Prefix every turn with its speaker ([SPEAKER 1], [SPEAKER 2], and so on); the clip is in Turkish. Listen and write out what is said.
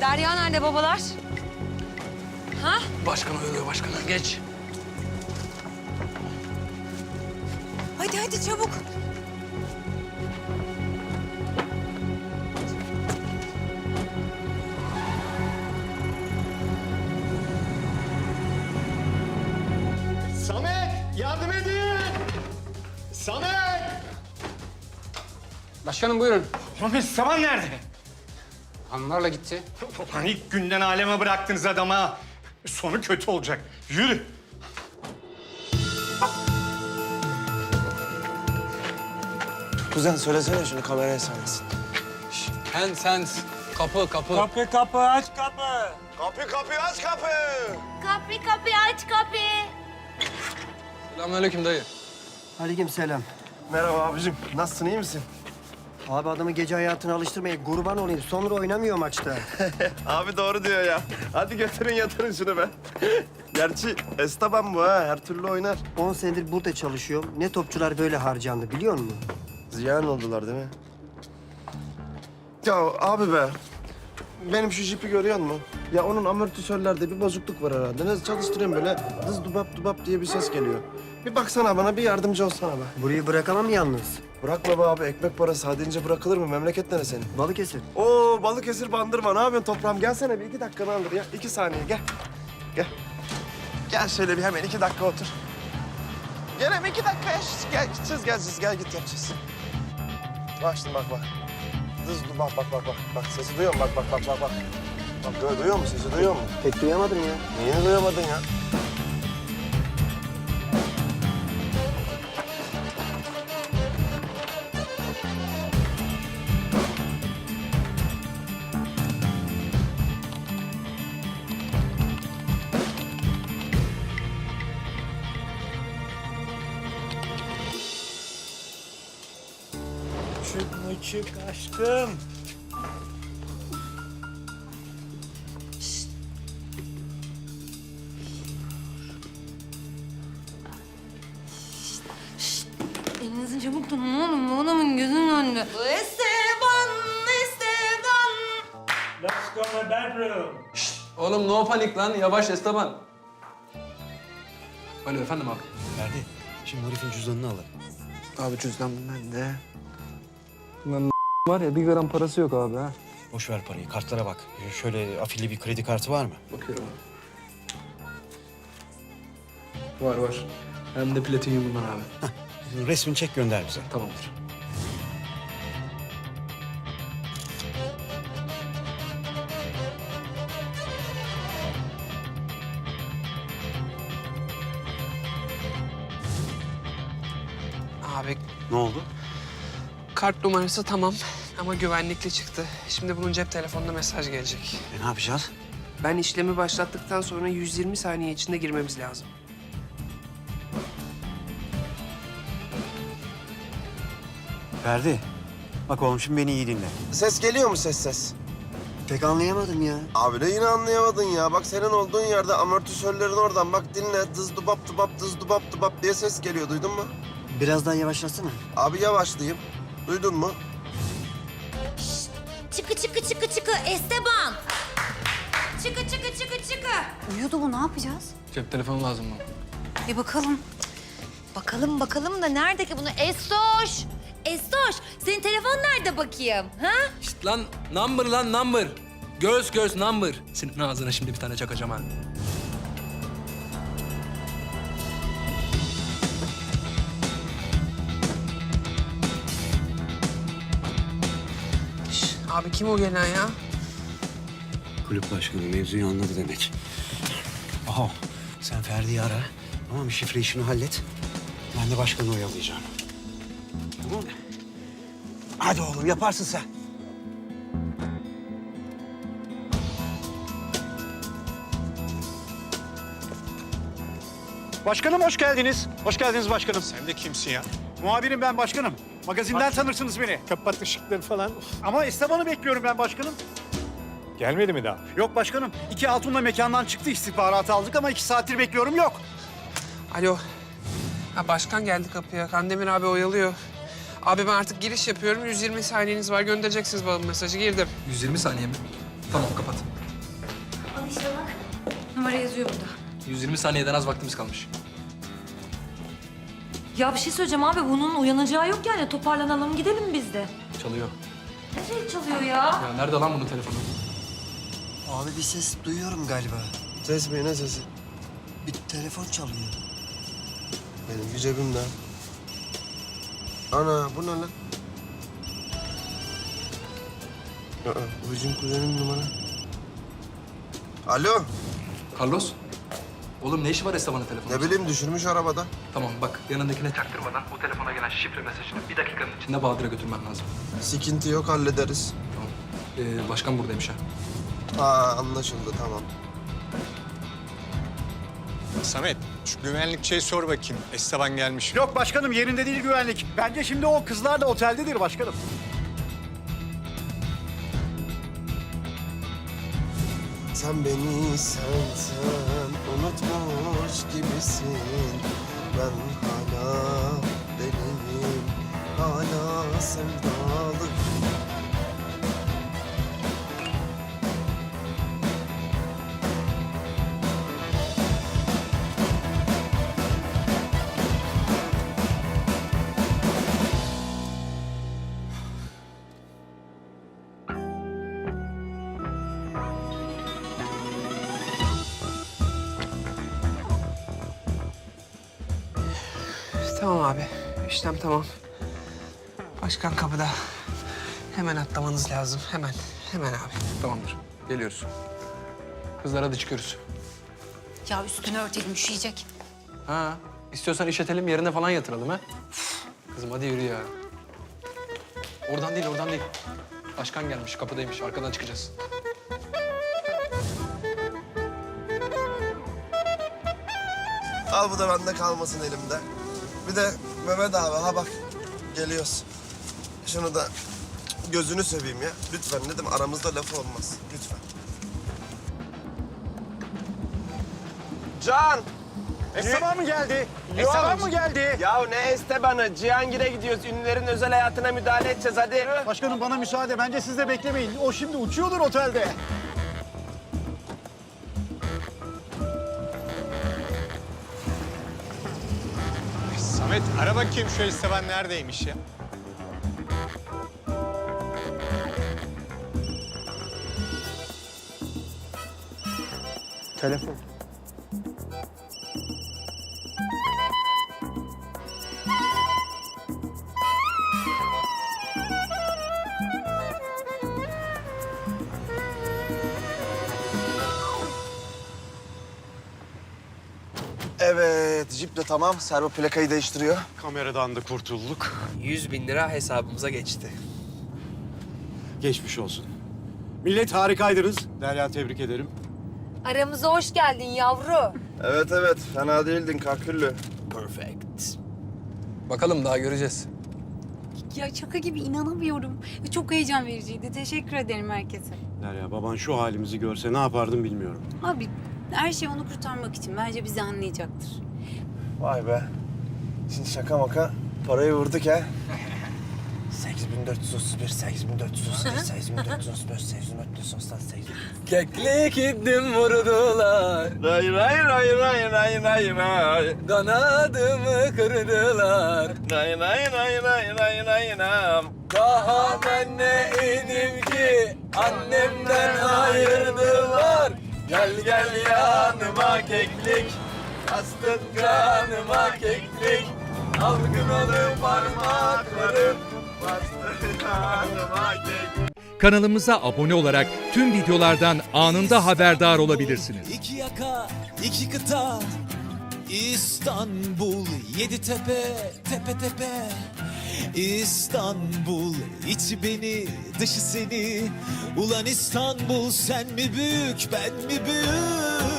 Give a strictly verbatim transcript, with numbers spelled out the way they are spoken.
[SPEAKER 1] Derya nerede babalar? Ha?
[SPEAKER 2] Başkan uyuyor başkanı. Geç.
[SPEAKER 1] Hadi hadi çabuk.
[SPEAKER 3] Samet, yardım edin! Samet!
[SPEAKER 2] Başkanım buyurun.
[SPEAKER 3] Samet, Saman nerede?
[SPEAKER 2] Hanımlarla gitti.
[SPEAKER 3] Ulan ilk günden aleme bıraktınız adama. Sonu kötü olacak. Yürü.
[SPEAKER 4] Kuzen söylesene şunu kameraya sarmasın.
[SPEAKER 2] Sen sen kapı kapı.
[SPEAKER 5] Kapı kapı aç kapı.
[SPEAKER 4] Kapı kapı aç kapı.
[SPEAKER 6] Kapı kapı aç kapı.
[SPEAKER 2] Selamünaleyküm dayı.
[SPEAKER 7] Aleykümselam.
[SPEAKER 4] Merhaba abicim. Nasılsın iyi misin?
[SPEAKER 7] Abi adamı gece hayatına alıştırmayın. Kurban olayım. Sonra oynamıyor maçta.
[SPEAKER 4] Abi doğru diyor ya. Hadi götürün yatırın şunu be. Gerçi Esteban bu ha. Her türlü oynar.
[SPEAKER 7] on senedir burada çalışıyorum. Ne topçular böyle harcandı biliyor musun?
[SPEAKER 4] Ziyan oldular değil mi? Ya abi be. Benim şu jipi görüyor musun? Ya onun amortisörlerde bir bozukluk var herhalde. Ne çalıştırıyorum böyle dız dubap dubap diye bir ses geliyor. Bir baksana bana, bir yardımcı olsana be.
[SPEAKER 7] Burayı bırakamam yalnız.
[SPEAKER 4] Bırakma be abi, ekmek parası. Hadi ince bırakılır mı? Memleket nere senin?
[SPEAKER 7] Balıkesir.
[SPEAKER 4] Oo Balıkesir Bandırma. Ne yapıyorsun toprağım? Gelsene bir iki dakikanı alır ya. İki saniye gel. Gel. Gel şöyle bir hemen iki dakika otur. Gel hemen iki dakika ya. Gel gideceğiz geleceğiz. Gel git yapacağız. Bak şimdi bak bak. Dız dur bak bak bak bak. Bak sesi duyuyor musun? Bak bak bak bak bak. Bak du- duyuyor musun? Sesi duyuyor musun?
[SPEAKER 7] Pek duyamadım ya.
[SPEAKER 4] Niye duyamadın ya?
[SPEAKER 5] Çık mı çık aşkım.
[SPEAKER 1] Elinizi çabuk tutun oğlum. Bu adamın gözünün önünde. Esteban, Esteban.
[SPEAKER 5] Let's go my bedroom.
[SPEAKER 2] Oğlum no panik lan. Yavaş Esteban. Alo efendim abi.
[SPEAKER 8] Ferdi, şimdi herifin cüzdanını alalım.
[SPEAKER 4] Abi cüzdan bende.
[SPEAKER 2] Lan var ya bir gram parası yok abi ha.
[SPEAKER 8] Boş ver parayı, kartlara bak. Şöyle afilli bir kredi kartı var mı?
[SPEAKER 2] Bakıyorum abi. Var var. Hem de platinyumundan abi.
[SPEAKER 8] Resmini çek gönder bize.
[SPEAKER 2] Tamamdır.
[SPEAKER 9] Abi
[SPEAKER 8] Ne oldu?
[SPEAKER 9] kart numarası tamam ama güvenlikli çıktı. Şimdi bunun cep telefonuna mesaj gelecek.
[SPEAKER 8] E, ne yapacağız?
[SPEAKER 9] Ben işlemi başlattıktan sonra yüz yirmi saniye içinde girmemiz lazım.
[SPEAKER 8] Ferdi, bak oğlum şimdi beni iyi dinle.
[SPEAKER 4] Ses geliyor mu ses ses?
[SPEAKER 7] Pek anlayamadım ya.
[SPEAKER 4] Abi de yine anlayamadın ya. Bak senin olduğun yerde amortisörlerin oradan. Bak dinle. Dız dubap dubap dız dubap dubap diye ses geliyor. Duydun mu?
[SPEAKER 7] Biraz daha yavaşlasana.
[SPEAKER 4] Abi yavaşlayayım. Duydun mu?
[SPEAKER 6] Çıkı çıkı çıkı çıkı Esteban. Çıkı çıkı çıkı çıkı.
[SPEAKER 1] Uyuyordu bu. Ne yapacağız?
[SPEAKER 2] Cep telefonu lazım mı?
[SPEAKER 1] Bir bakalım.
[SPEAKER 6] Bakalım bakalım da nerede ki bunu? Estoş. Estoş. Senin telefon nerede bakayım? Ha?
[SPEAKER 2] Şişt lan number lan number. Göz göz number. Senin ağzına şimdi bir tane çakacağım ha.
[SPEAKER 9] Şş, abi kim o gelen ya?
[SPEAKER 8] Kulüp başkanı mevzuyu anladı demek. Aha, sen Ferdi'yi ara. Tamam mı? Şifre işini hallet. Ben de başkanı oyalayacağım. Tamam mı? Hadi oğlum, yaparsın sen.
[SPEAKER 5] Başkanım hoş geldiniz. Hoş geldiniz başkanım. Sen de kimsin ya? Muhabirim ben başkanım. Magazinden tanırsınız beni. Kapat ışıkları falan. Ama Esteban'ı bekliyorum ben başkanım. Gelmedi mi daha? Yok başkanım. İki hatunla mekandan çıktı, istihbaratı aldık ama iki saattir bekliyorum yok.
[SPEAKER 9] Alo. Ha, başkan geldi kapıya. Kandemir abi oyalıyor. Abi ben artık giriş yapıyorum. yüz yirmi saniyeniz var. Göndereceksiniz bana mesajı. Girdim.
[SPEAKER 2] yüz yirmi saniye mi? Tamam kapat.
[SPEAKER 1] İşte bak. Numara yazıyor burada.
[SPEAKER 2] yüz yirmi saniyeden az vaktimiz kalmış.
[SPEAKER 1] Ya bir şey söyleyeceğim abi. Bunun uyanacağı yok yani. Toparlanalım gidelim biz de.
[SPEAKER 2] Çalıyor.
[SPEAKER 1] Nereye çalıyor ya?
[SPEAKER 2] Ya nerede lan bunun telefonu?
[SPEAKER 7] Abi bir ses duyuyorum galiba.
[SPEAKER 4] Ses mi ne sesi?
[SPEAKER 7] Bir telefon çalıyor.
[SPEAKER 4] Benim cebimde. Ana bu ne lan? Aa, bu bizim kuzenin numara. Alo.
[SPEAKER 2] Carlos. Oğlum ne işi var Esteban'ın telefonunda?
[SPEAKER 4] Ne bileyim düşürmüş arabada.
[SPEAKER 2] Tamam bak yanındakine çaktırmadan o telefona gelen şifre mesajını bir dakikanın içinde Bahadır'a götürmen lazım.
[SPEAKER 4] Sikinti yok hallederiz.
[SPEAKER 2] Tamam. Ee, başkan buradaymış ha.
[SPEAKER 4] Aa anlaşıldı tamam.
[SPEAKER 3] Samet, şu güvenlikçiye sor bakayım. Esteban gelmiş mi?
[SPEAKER 5] Yok başkanım yerinde değil güvenlik. Bence şimdi o kızlar da oteldedir başkanım.
[SPEAKER 4] Sen beni sen sen unutmuş gibisin. Ben hala deliyim, hala sevdalı.
[SPEAKER 9] Tamam abi. İşlem tamam. Başkan kapıda. Hemen atlamanız lazım. Hemen. Hemen abi.
[SPEAKER 2] Tamamdır. Geliyoruz. Kızlar hadi çıkıyoruz.
[SPEAKER 6] Ya üstünü örtelim üşüyecek.
[SPEAKER 2] Ha. İstiyorsan işletelim yerine falan yatıralım ha. Kızım hadi yürü ya. Oradan değil oradan değil. Başkan gelmiş kapıdaymış arkadan çıkacağız.
[SPEAKER 4] Al bu da bende kalmasın elimde. Bir de Mehmet abi ha bak geliyoruz. Şunu da gözünü seveyim ya. Lütfen dedim aramızda laf olmaz. Lütfen. Can!
[SPEAKER 5] Esteban mı geldi? Esteban mı geldi?
[SPEAKER 4] Ya ne Esteban'ı? Cihangir'e gidiyoruz. Ünlülerin özel hayatına müdahale edeceğiz hadi.
[SPEAKER 5] Başkanım bana müsaade. Bence siz de beklemeyin. O şimdi uçuyordur otelde.
[SPEAKER 3] Samet, ara bakayım şu Esteban neredeymiş ya?
[SPEAKER 7] Telefon.
[SPEAKER 4] Evet, jip de tamam. Servo plakayı değiştiriyor.
[SPEAKER 5] Kameradan da kurtulduk.
[SPEAKER 9] Yüz bin lira hesabımıza geçti.
[SPEAKER 5] Geçmiş olsun. Millet harikaydınız. Derya tebrik ederim.
[SPEAKER 6] Aramıza hoş geldin yavru.
[SPEAKER 4] Evet evet, fena değildin kaküllü.
[SPEAKER 9] Perfect.
[SPEAKER 2] Bakalım daha göreceğiz.
[SPEAKER 10] Ya şaka gibi inanamıyorum. Çok heyecan vericiydi. Teşekkür ederim herkese.
[SPEAKER 5] Derya baban şu halimizi görse ne yapardım bilmiyorum.
[SPEAKER 10] Abi her şey onu kurtarmak için. Bence bizi anlayacaktır.
[SPEAKER 4] Vay be. Şimdi şaka maka parayı vurduk ha. sekiz bin dört yüz otuz bir, sekiz bin dört yüz otuz bir, sekiz bin dört yüz otuz beş, sekiz bin dört yüz otuz altı, sekiz bin...
[SPEAKER 2] Keklik iddim vurdular.
[SPEAKER 4] Ray ray ray ray ray ray ray.
[SPEAKER 2] Kanadımı kırdılar.
[SPEAKER 4] Ray ray ray ray ray ray ray.
[SPEAKER 2] Daha ben ne idim ki annemden ayırdılar. Gel gel yanıma keklik, astın kanıma keklik. Algınalı parmaklarım, bastın kanıma keklik.
[SPEAKER 11] Kanalımıza abone olarak tüm videolardan anında haberdar olabilirsiniz.
[SPEAKER 12] İki yaka, iki kıta, İstanbul, yedi tepe, tepe tepe. İstanbul, içi beni, dışı seni. Ulan İstanbul, sen mi büyük, ben mi büyük?